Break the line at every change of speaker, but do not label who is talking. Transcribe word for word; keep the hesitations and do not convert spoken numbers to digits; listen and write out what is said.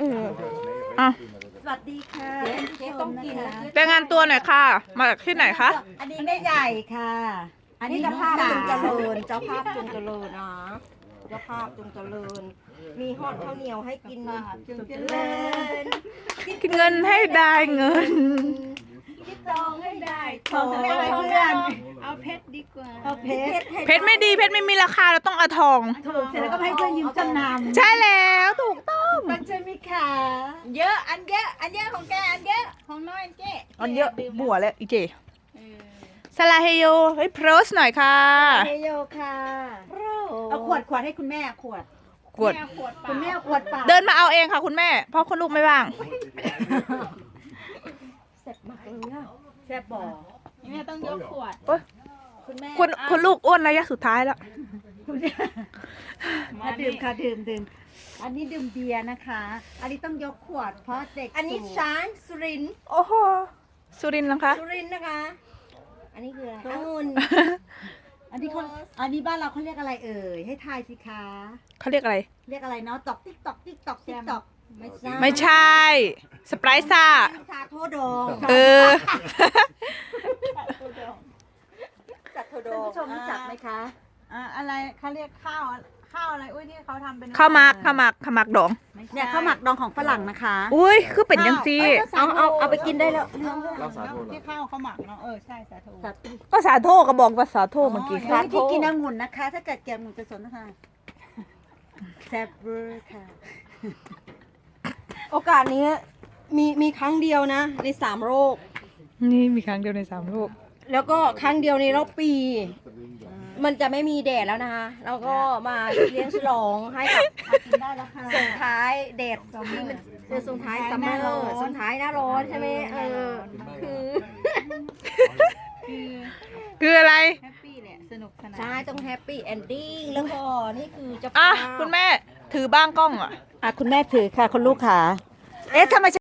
อออ่ะ
สวัสดีค่ะเจ๊ต้องกินนะ
รายงานตัวหน่อยค่ะ มาจากที่ไหนคะ
อันนี้แม่ใหญ่ค่ะ อันนี้เจ้าภาพจุงเจริญเจ้าภาพจุงเจริญนะเจ้าภาพจุงเจริญ มีฮอดข้าวเหนียวให้กินจุงเจริญ
คิดเงินให้ได้เงิน
คิดจองให้ได้ท
ขอ
อง
เพื่
ไม่ได้
อน
เพื่อน
เอาเพชรดีกว่า
เอาเพชร
เพชรไม่ดีเพชรไม่มีราคาเราต้องเอาทอง
ถูกเสร็จแล้วก็ให้เพื่อนยืมจำนำ
ใช่แล้วถูกต้อง
มันใช่ไหมคะ
เยอะอันเยอะอันเยอะของแกอันเยอะของน้อยอันเจ๊
อันเยอะบัวแล้วอีเจ
เออ
สลาเฮโยเฮ้ยโพสหน่อยค่ะ
เฮโยค่ะเอาขวดขวดให้คุณแม่ขวด
กวด
แม่ขวดเปล่า
คุณแม่ขวดเปล่า
เดินมาเอาเองค่ะคุณแม่ เพราะคุณลูกไม่ว่าง
แซ่บมากเลยอะแซ่บบ่อ
แม่ต้องยกขวด
คุณแม่
คุณคุณลูกอ้วนระยะสุดท้ายแล้ว
มาดื่มค่ะดื่มดื่มอันนี้ดื่มเบียร์นะคะ อันนี้ต้องยกขวดเพราะเด็ก
อันนี้
สูง
ช้างสุรินทร์
โอ้โห สุรินทร์นะคะ
สุรินทร์นะคะ อันนี้คืออะไรองุ่น
อันนี้เขาอันนี้บ้านเราเขาเรียกอะไรเอ่ยให้ทายสิคะ
เขาเรียกอะไร
เรียกอะไรเนาะตอกติ๊กตอกติ๊กตอกติ๊กตอกไม่ใช่
ไม่ใช่ สไปร์ซ่า
ชาโทดอง
เออ
จัดโทดองผู้ชมรู้จักไหมคะ
อ่ะอะไรเขาเรียกข้าวข้าวอะไรอุ้ยที่เขาทำเป็น
ข้าวหมักข้าวหมักข้าวหมักดอง
เนี่ยข้าวหมักดองของฝรั่งนะคะ
อุ้ยคือเป็นยังซี
เอาเอาเอาไปกินได้แล้ว
เราสาโทที่ข้าวเขาหมักเนาะเออใช่สาโท
จัด
ก็สาโทก็บอกว่าสาโทเมื่อกี้
ร้านที่กินองุ่นนะคะ ถ้าเกิดแกมหมุนจะสนนะคะแซ่บเวอร์ค่ะ
โอกาสนี้มีมีครั้งเดียวนะ ในสามโรค
นี่มีครั้งเดียวในสามโลก
แล้วก็ครั้งเดียวในรอบปี มันจะไม่มีแดดแล้วนะคะแล้วก็มาเลี้ยงฉลองให้กับ
กินได้แล้วค่ะ
ส่งท้ายแดดที่มันคือส่งท้ายซัมเมอร์ส่งท้ายหน้าร้อนใช่ไหมเออคือ
คือ
คืออะไร
แฮปปี้แหละสนุกสนาน
ใช่ต้องแฮปปี้เอนดิ้งแล้วก็นี่คือจะ
อ่ะ
พา
คุณแม่ถือบ้างกล้องอ่ะ
อ่ะคุณแม่ถือค่ะคุณลูกค่ะ เอ๊ะทำไม